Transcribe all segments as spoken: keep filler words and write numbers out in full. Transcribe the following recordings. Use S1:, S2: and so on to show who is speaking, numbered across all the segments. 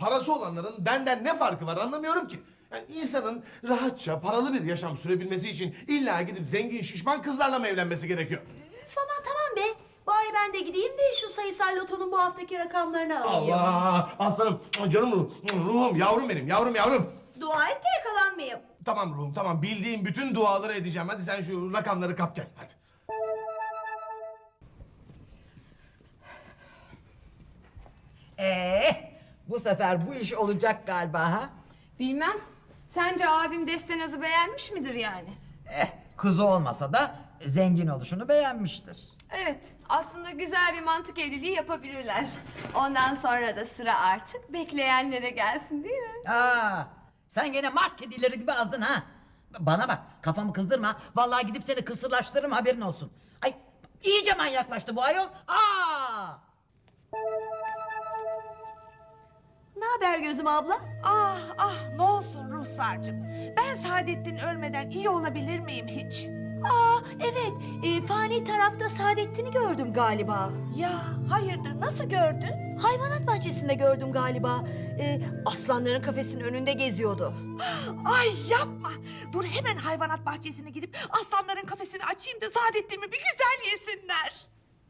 S1: parası olanların benden ne farkı var anlamıyorum ki. Yani insanın rahatça paralı bir yaşam sürebilmesi için illa gidip zengin şişman kızlarla mı evlenmesi gerekiyor?
S2: Üf aman tamam be. Bari ben de gideyim de şu sayısal lotonun bu haftaki rakamlarını alayım.
S1: Allah! Aslanım, canım ruhum, ruhum, yavrum benim, yavrum yavrum.
S2: Dua et de yakalanmayayım.
S1: Tamam ruhum, tamam. Bildiğim bütün duaları edeceğim. Hadi sen şu rakamları kap gel, hadi.
S3: Ee, bu sefer bu iş olacak galiba ha?
S4: Bilmem. Sence abim Destenaz'ı beğenmiş midir yani?
S3: Eh, kızı olmasa da zengin oluşunu beğenmiştir.
S4: Evet, aslında güzel bir mantık evliliği yapabilirler. Ondan sonra da sıra artık bekleyenlere gelsin değil mi?
S3: Aa, sen gene mart kedileri gibi azdın ha. Bana bak, kafamı kızdırma. Vallahi gidip seni kısırlaştırırım, haberin olsun. Ay, iyice manyaklaştı bu ayol. Aa!
S2: Ne haber gözüm abla?
S5: Ah ah ne olsun Ruhsar'cığım. Ben Saadettin ölmeden iyi olabilir miyim hiç?
S2: Aa evet. E, fani tarafta Saadettin'i gördüm galiba.
S5: Ya hayırdır nasıl gördün?
S2: Hayvanat bahçesinde gördüm galiba. E, aslanların kafesinin önünde geziyordu.
S5: Ay yapma. Dur hemen hayvanat bahçesine gidip aslanların kafesini açayım da Saadettin'imi bir güzel yesinler.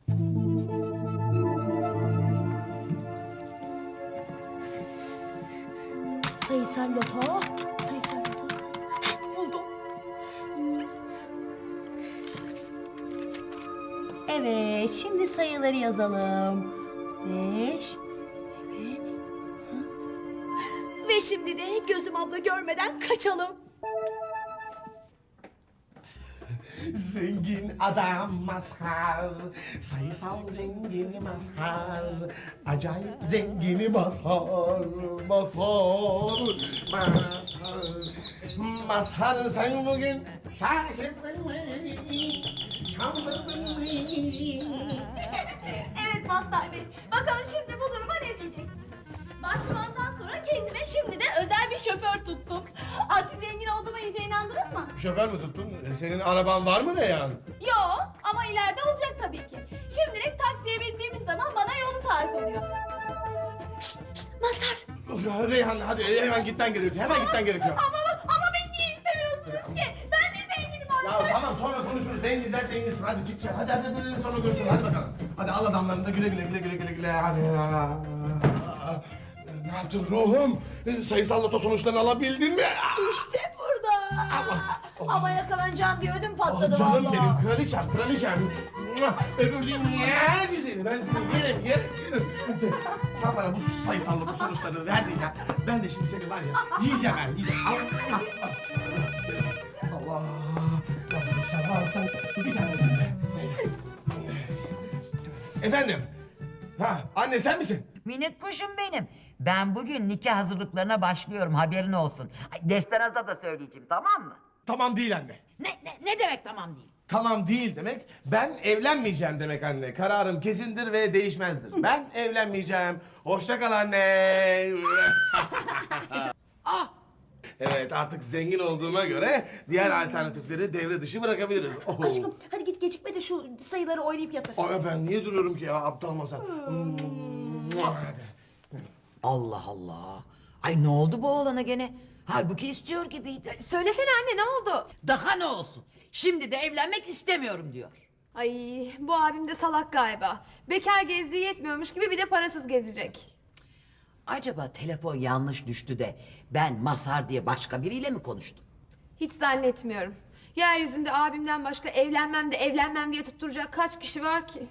S2: Sayısal loto. Sayısal loto.
S5: Buldum.
S2: Evet, şimdi sayıları yazalım. Beş. Evet. Ha. Ve şimdi de gözüm abla görmeden kaçalım.
S1: Zengin adam Mazhar, sayısal zengini Mazhar, acayip zengini Mazhar, Mazhar, Mazhar. Mazhar sen bugün şaşırdın mı, çaldırdın mı?
S2: Evet Mazhar Bey. Bakalım şimdi bu duruma ne diyeceksiniz? Bahçıvandan sonra kendime şimdi de özel bir şoför tuttum. Artık zengin olduğuma iyice inandınız mı?
S1: Şoför mü tuttun? E, Senin araban var mı ne yani?
S2: Yo ama ileride olacak tabii ki. Şimdilik taksiye bindiğimiz zaman bana yolu tarif ediyor. Şşt şşt Mazhar.
S1: Reyhan hadi hemen gitmen gerekiyor, hemen gitmen gerekiyor.
S2: Ama, ama beni niye istemiyorsunuz ki? Ben de zenginim artık.
S1: Ya tamam sonra konuşuruz. Zenginsen zenginsin. Hadi çık dışarı. Hadi hadi hadi sonra görüşürüz. Hadi bakalım. Hadi al adamlarını da güle güle güle güle güle güle. Hadi. Ne yaptın ruhum? Sayısal loto sonuçlarını alabildin mi?
S2: İşte burada. Ama yakalanacağım diye ödüm patladı
S1: Oh, canım
S2: vallahi.
S1: benim kraliçem kraliçem. Öbür dünya güzeli. Ben seni yerim yerim yerim. Sen bana bu sayısal loto sonuçlarını verdin ya. Ben de şimdi seni var ya yiyeceğim ben yiyeceğim. Allah. Allah. Allah sen varsan bir tanesin be. Efendim. Ha anne sen misin?
S3: Minik kuşum benim. Ben bugün nikah hazırlıklarına başlıyorum, haberin olsun. Ay, Destenaz'a da söyleyeceğim, tamam mı?
S1: Tamam değil anne.
S3: Ne, ne, ne demek tamam değil?
S1: Tamam değil demek, ben evlenmeyeceğim demek anne. Kararım kesindir ve değişmezdir. Ben evlenmeyeceğim. Hoşça kal anne.
S3: Ah!
S1: Evet, artık zengin olduğuma göre diğer alternatifleri devre dışı bırakabiliriz. Oh.
S2: Aşkım hadi git gecikme de şu sayıları oynayıp yatır.
S1: Ay, ben niye duruyorum ki ya aptal masal?
S3: Allah Allah. Ay ne oldu bu oğlana gene? Halbuki istiyor gibiydi.
S4: Söylesene anne ne oldu?
S3: Daha ne olsun? Şimdi de evlenmek istemiyorum diyor.
S4: Ay bu abim de salak galiba. Bekar gezdiği yetmiyormuş gibi bir de parasız gezecek.
S3: Acaba telefon yanlış düştü de ben Mazhar diye başka biriyle mi konuştum?
S4: Hiç zannetmiyorum. Yeryüzünde abimden başka evlenmem de evlenmem diye tutturacak kaç kişi var ki?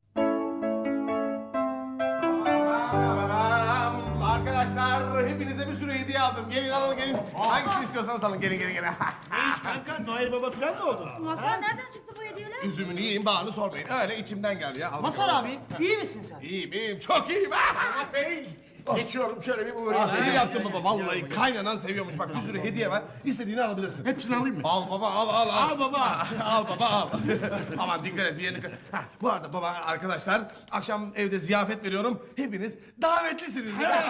S1: Arkadaşlar hepinize bir sürü hediye aldım. Gelin alın gelin. Hangisini istiyorsanız alın. Gelin gelin gelin.
S6: Ne iş kanka? Noel Baba falan mı oldu?
S2: Mazhar nereden çıktı bu hediyeler?
S1: Üzümünü yiyin bağını sormayın. Öyle içimden geldi ya. Al
S6: Masar
S1: bakalım.
S6: abi, iyi misin sen?
S1: İyiyim iyiyim çok iyiyim. Ah, bey.
S6: Geçiyorum şöyle bir uğrayayım.
S1: Ah, iyi yaptın baba vallahi kaynanan seviyormuş. Bak bir sürü hediye var. İstediğini alabilirsin.
S6: Hepsini alayım mı?
S1: Al baba al al al.
S6: Al baba.
S1: al baba al. Aman dikkat et bir yerine. Hah, bu arada baba arkadaşlar akşam evde ziyafet veriyorum. Hepiniz davetlisiniz. Ya.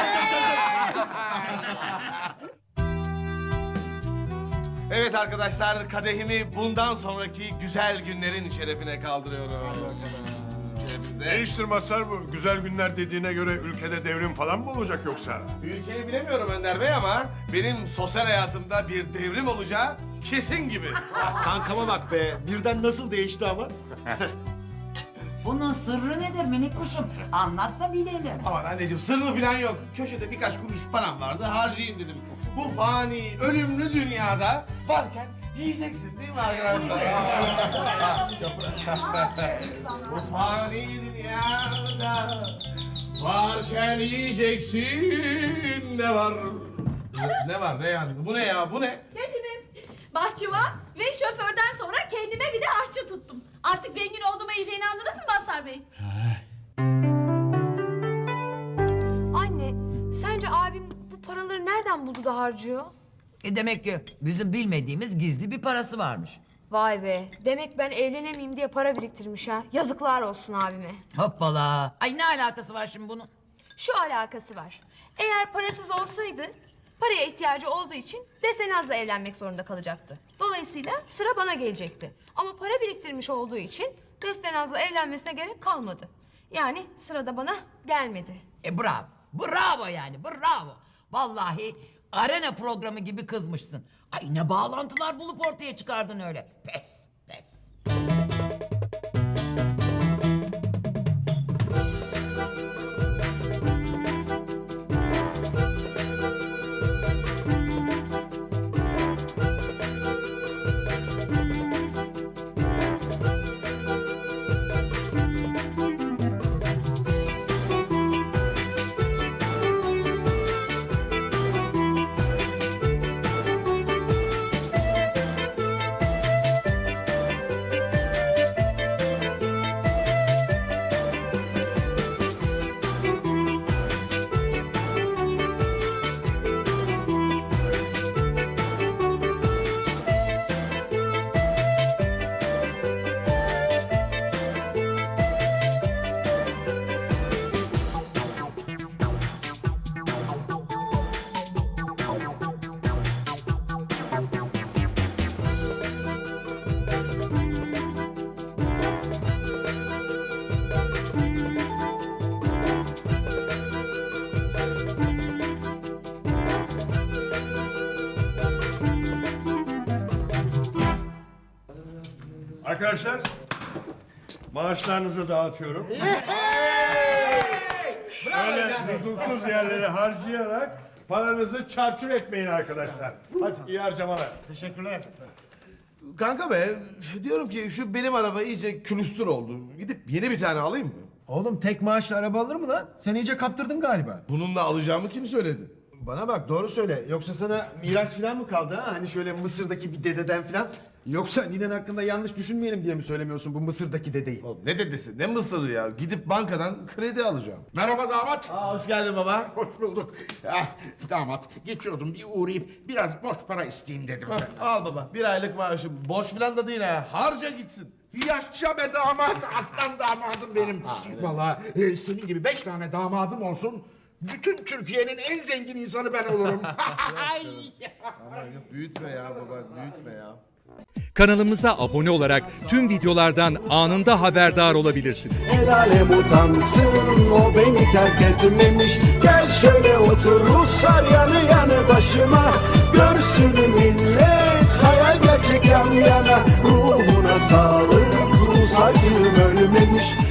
S1: Evet arkadaşlar kadehimi bundan sonraki güzel günlerin şerefine kaldırıyorum. Hepinize
S7: Değiştir Mazhar bu. Güzel günler dediğine göre ülkede devrim falan mı olacak yoksa?
S1: Ülkeyi bilemiyorum Önder Bey ama benim sosyal hayatımda bir devrim olacağı kesin gibi.
S6: Kankama bak be. Birden nasıl değişti ama.
S3: Bunun sırrı nedir minik kuşum? Anlat da bilelim.
S1: Aman anneciğim sırrı falan yok. Köşede birkaç kuruş param vardı harcayayım dedim. Bu fani, ölümlü dünyada varken yiyeceksin değil mi arkadaşlar? Bu fani dünyada varken yiyeceksin. Ne var? Ne var Reyhan? Bu ne ya? Bu ne?
S2: Geçiniz. Bahçıvan ve şoförden sonra kendime bir de aşçı tuttum. Artık zengin olduğuma iyice inandınız mı Mazhar Bey?
S4: Anne, sence abim bu paraları nereden buldu da harcıyor?
S3: E demek ki bizim bilmediğimiz gizli bir parası varmış.
S4: Vay be, demek ben evlenemeyeyim diye para biriktirmiş ha. Yazıklar olsun abime.
S3: Hoppala. Ay ne alakası var şimdi bunun?
S4: Şu alakası var. Eğer parasız olsaydı, paraya ihtiyacı olduğu için Desenaz'la evlenmek zorunda kalacaktı. Dolayısıyla sıra bana gelecekti. Ama para biriktirmiş olduğu için Desenaz'la evlenmesine gerek kalmadı. Yani sıra da bana gelmedi.
S3: E bravo. Bravo yani bravo. Vallahi arena programı gibi kızmışsın. Ay ne bağlantılar bulup ortaya çıkardın öyle. Pes pes.
S7: Arkadaşlar, maaşlarınızı dağıtıyorum. Öyle lüzumsuz yerlere harcayarak paranızı çarçur etmeyin arkadaşlar. Hadi iyi harcamalar.
S6: Teşekkürler.
S1: Kanka be diyorum ki şu benim araba iyice külüstür oldu. Gidip yeni bir tane alayım mı?
S6: Oğlum tek maaşla araba alır mı lan? Sen iyice kaptırdın galiba.
S1: Bununla alacağımı kim söyledi?
S6: Bana bak doğru söyle. Yoksa sana miras falan mı kaldı ha? Hani şöyle Mısır'daki bir dededen falan. Yoksa ninen hakkında yanlış düşünmeyelim diye mi söylemiyorsun bu Mısır'daki dedeyi?
S1: Oğlum ne dedesi ne mısırı ya? Gidip bankadan kredi alacağım.
S8: Merhaba damat.
S1: Aa, hoş geldin baba.
S8: Hoş bulduk. Ah, damat geçiyordum bir uğrayıp biraz borç para isteyeyim dedim
S1: Hah,
S8: senden.
S1: al baba bir aylık maaşım. Borç falan da değil ha. Harca gitsin.
S8: Yaşa be damat, aslan damadım benim. Vallahi e, senin gibi beş tane damadım olsun. Bütün Türkiye'nin en zengin insanı ben olurum.
S1: Aman yok büyütme ya baba büyütme ya.
S9: Kanalımıza abone olarak tüm videolardan anında haberdar olabilirsiniz.
S10: El alem utansın o beni terk etmemiş. Gel şöyle otur Ruslar yanı yanı başıma. Görsün millet hayal gerçek yan yana. Ruhuna sağlık Rus acım ölmemiş.